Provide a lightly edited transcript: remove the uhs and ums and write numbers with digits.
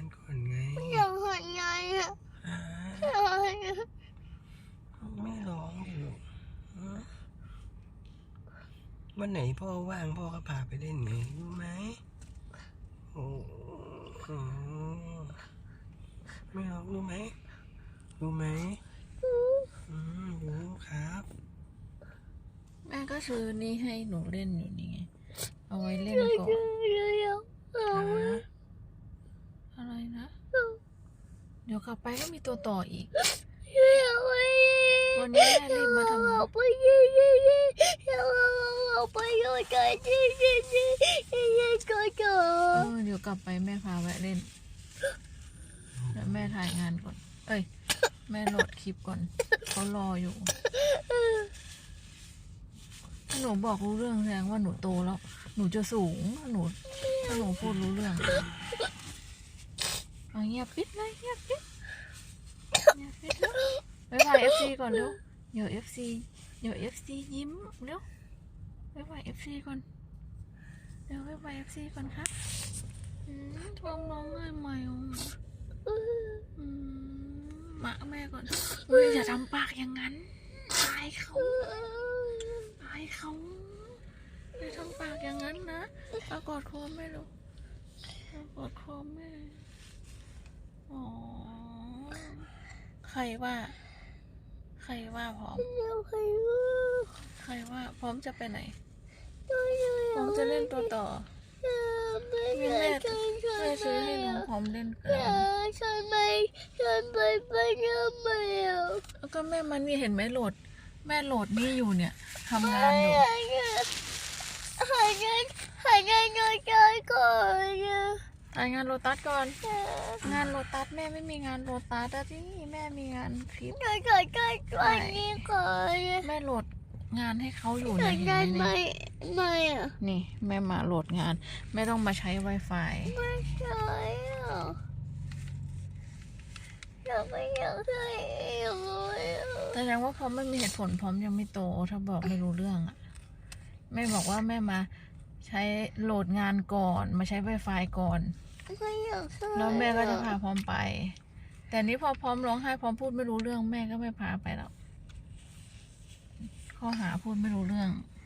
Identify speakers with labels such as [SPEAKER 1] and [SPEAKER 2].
[SPEAKER 1] ก่อนไง
[SPEAKER 2] อยากหันไงอ่ะ
[SPEAKER 1] ไม่ร้องดิลูกวันไหนพ่อว่างพ่อก็พาไปเล่นไงรู้ไหมโอ้โหไม่ร้องรู้ไหมรู้ไหมรู้ครับ
[SPEAKER 3] แม่ก็ซื้อนี่ให้หนูเล่นอยู่นี่ไงเอาไว้เล่นก่อนอะไรนะเดี๋ยวกลับไปก็มีตัวต่ออีกวันนี้แม่รีบมาทำงานเดี๋ยวกลับไปแม่พาแวะเล่นแล้วแม่ถ่ายงานก่อนเอ้ยแม่โหลดคลิปก่อนเขารออยู่ถ้าหนูบอกรู้เรื่องแสดงว่าหนูโตแล้วหนูจะสูงถ้าหนูพูดรู้เรื่องเอาเงียบปิดเลยเงียบปิดแล้วบ๊ายบายFC ก่อนเร็วเดี๋ยว FC ยิ้มเร็วบ๊ายบาย FC ก่อนเร็วบ๊ายบาย FC ก่อนครับท้องร้องไห้ใหม่มาแม่ก่อนอย่าทำปากอย่างนั้นอายเขาอย่าทำปากอย่างนั้นนะเอากอดคอแม่ลูกเอากอดคอแม่อ๋อใครว่าพร้อมใครว่าพร้อมจะไปไหนพร้อมจะเล่นตัวต่อแม่ซื้อให้น้องพร้อมเล่นกัน
[SPEAKER 2] ฉันไปทำไม
[SPEAKER 3] แล้วก็แม่มันนี่เห็นไหมแม่โหลดนี่อยู่เนี่ยทำงานอยู่
[SPEAKER 2] หายงานก่อน
[SPEAKER 3] ถ่ายงานโลตัสก่อนงานโลตัสแม่ไม่มีงานโลตัสที่แม่มีงานคลิป
[SPEAKER 2] ก่อนนี้ก่อน
[SPEAKER 3] แม่โหลดงานให้เขาอยู่เนี่ยเห็นไหม
[SPEAKER 2] ไม่อ่ะ
[SPEAKER 3] นี่แม่มาโหลดงานแม่ต้องมาใช้ Wi-Fi
[SPEAKER 2] ไม่ใช่อ่ะไม่อยากใช้เลย
[SPEAKER 3] แสดงว่าพร้อมไม่มีเหตุผลพร้อมยังไม่โตถ้าบอกไม่รู้เรื่องอ่ะแม่บอกว่าแม่มาใช้โหลดงานก่อนมาใช้ Wi-Fi ก่อนแล้วแม่ก็จะพาพร้อมไปแต่นี้พอพร้อมร้องไห้พร้อมพูดไม่รู้เรื่องแม่ก็ไม่พาไปแล้วข้อหาพูดไม่รู้เรื่อง